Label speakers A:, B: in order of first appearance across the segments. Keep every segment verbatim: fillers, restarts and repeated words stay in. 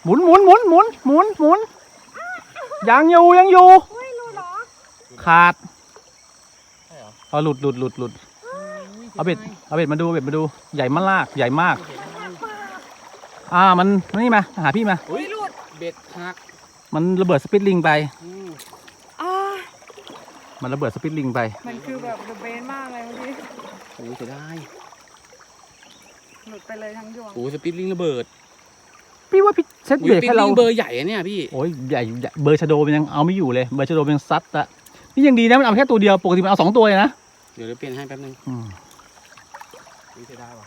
A: หมุนหมุนหมุนหมุนหมุนหมุนยังอยู่ยังอยู่ขาดเอาหลุดหลุดหลุดหลุดเอาเบ็ดเอาเบ็ดมาดูเบ็ดมาดูใหญ่มากใหญ่มากอ่ามันนี่มาหาพี่มา
B: เบ็ดหัก
A: มันระเบิดสปิดลิงไป
C: อ่า
A: มันระเบิดสปิดลิงไป
C: มันคือแบบเดอะเบนมากเลยเมื่อกี้
B: โอ้ยจะได้
C: หลุดไปเลยทั้งยวง
B: โอ้สปิดลิงระเบิด
A: พี่ว่าพี่เซตเบรกให้เรา
B: เบอร์ใหญ่เนี่ยพี่
A: โอ้ยใหญ่เบอร์ชาโดมันยังเอาไม่อยู่เลยเบอร์ชาโดมันยังซัดอะนี่ยังดีนะมันเอาแค่ตัวเดียวปกติมันเอาสองตัวเลยนะ
B: เดี๋ยวเปลี่ยนให้แป๊บนึง
A: นี่จะได้ปะ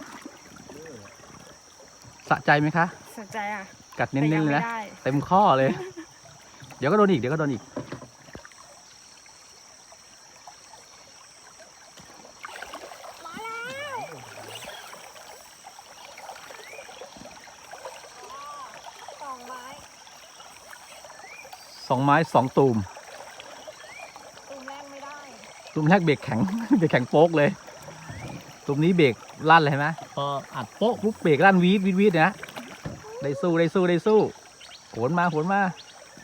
A: สะใจไหมคะ
C: สะใจอ่ะ
A: กัดเน้นๆเลยนะเต็มข้อเลยเดี๋ยวก็โดนอีกเดี๋ยวก็โดนอีกสองไม้สองตูม
C: ตูมแรกไม่ได้
A: ตูมแรกเบรกแข็งเบรกแข็งโป๊กเลยตูมนี้เบรกลั่นเลยไหมพออัดโป๊กปุ๊บเบรกลั่นวีดวีดวีดนะได้สู้ได้สู้ได้สู้โหนมาโหนมา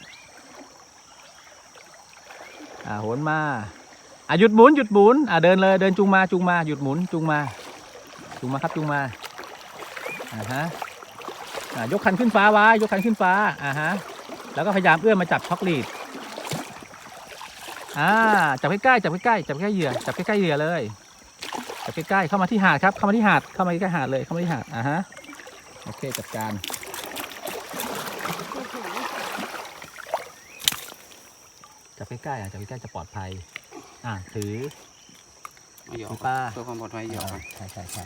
A: อ่าโหนมาอ่ะหยุดหมุนหยุดหมุนอ่ะเดินเลยเดินจุงมาจุงมาหยุดหมุนจุงมาจุงมาครับจุงมาอ่าฮะอ่ายกคันขึ้นฟ้าไว้ยกคันขึ้นฟ้าอ่าฮะแล้วก็พยายามเอื้อมมาจับช็อกลีดอ่าจับใกล้ๆจับใกล้ๆจับใกล้เหยื่อจับใกล้ๆเหยื่อเลยจับใกล้ๆเข้ามาที่หาดครับเข้ามาที่หาดเข้ามาใกล้หาดเลยเข้ามาที่หาดอ่าฮะโอเคจัดการจับใกล้ๆอ่ะจับใกล้ๆจะปลอดภัยอ่าถือ
B: ถือ
A: ปลา
B: เพื่อความปลอดภัยเยอะ
A: ใช่ใช่ใช่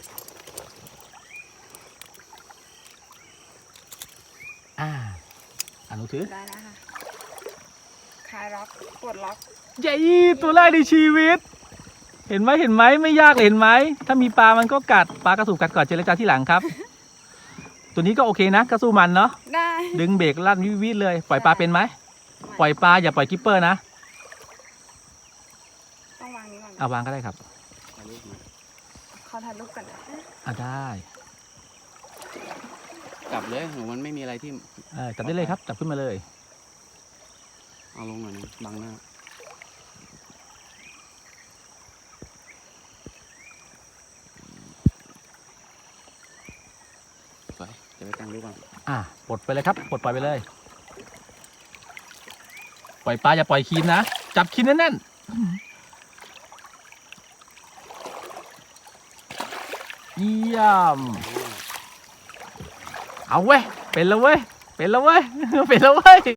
A: อ่าอนุถือ
C: ได้แล้วค่ะคลายล็อกปลดล็อก
A: ใหญ่ตัวแรกในชีวิตเห็นไหมเห็นไหมไม่ยากเห็นไหมถ้ามีปลามันก็กัดปลากระสูบกัดก่อนเจรจาที่หลังครับ ตัวนี้ก็โอเคนะก็สู้มันเนาะ
C: ได้
A: ดึงเบรกลั่นวิวิเลยปล่อยปลาเป็นไหมปล่อยปลาอย่าปล่อยกิปเปอร์นะ
C: ต้องวางนี้ก่อน
A: เอาวางก็ได้ครับ
C: ขอถ่ายรูปกันนะ
A: อ่ะได้
B: จับเลยหนูมันไม่มีอะไรที่
A: เออจับได้เลยครับจับขึ้นมาเลย
B: เอาลงหน่อยนึงบังหน้าไปจะไปตั้งรูปก่อน
A: อ่ะปลดไปเลยครับปลดปล่อยไปเลยปล่อยปลาอย่าปล่อยคีนนะจับคีนแน่นๆเยี่ยมเอาเว้ยเป็นแล้วเว้ยเป็นแล้วเว้ยเป็นแล้วเว้ย